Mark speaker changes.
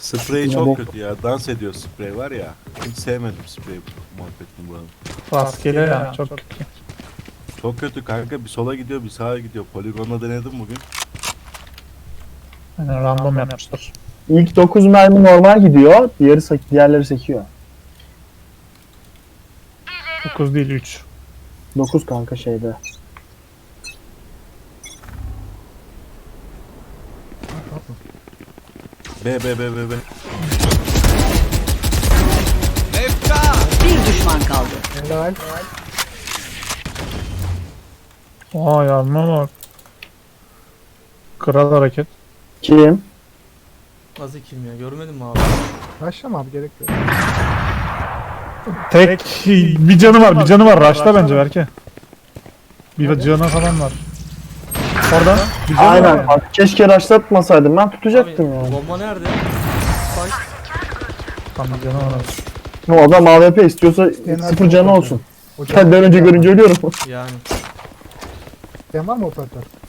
Speaker 1: Sprey çok kötü ya. Dans ediyor sprey var ya. Hiç sevmedim sprey muhabbetini buranın.
Speaker 2: Rastgele ya çok kötü.
Speaker 1: Çok kötü kanka. Bir sola gidiyor bir sağa gidiyor. Poligonda denedim bugün.
Speaker 2: Yani random yapmışlar.
Speaker 3: İlk 9 mermi normal gidiyor. Diğerleri sekiyor.
Speaker 2: 9 değil 3.
Speaker 3: 9 kanka şeyde.
Speaker 1: B.
Speaker 4: Bir düşman kaldı.
Speaker 5: Helal.
Speaker 2: Aa yarma var. Kral hareket.
Speaker 3: Kim?
Speaker 6: Nasıl kim ya? Görmedin mi abi?
Speaker 5: Başlama abi, gerek yok.
Speaker 2: Tek bir canı var, bir canı var. Raşla bence belki. Bir canı falan var. Orada bir canı
Speaker 3: Aynen.
Speaker 2: var.
Speaker 3: Bak, keşke raşlatmasaydım. Ben tutacaktım
Speaker 6: Abi,
Speaker 3: yani.
Speaker 6: bomba nerede? Spike.
Speaker 2: Tam bir canı var.
Speaker 3: O adam AWP istiyorsa
Speaker 5: Genel
Speaker 3: 0 canı
Speaker 5: operatör.
Speaker 3: olsun.
Speaker 5: Hocam,
Speaker 3: Ben önce görünce ölüyorum.
Speaker 6: Yani.
Speaker 5: sen var mı operatör?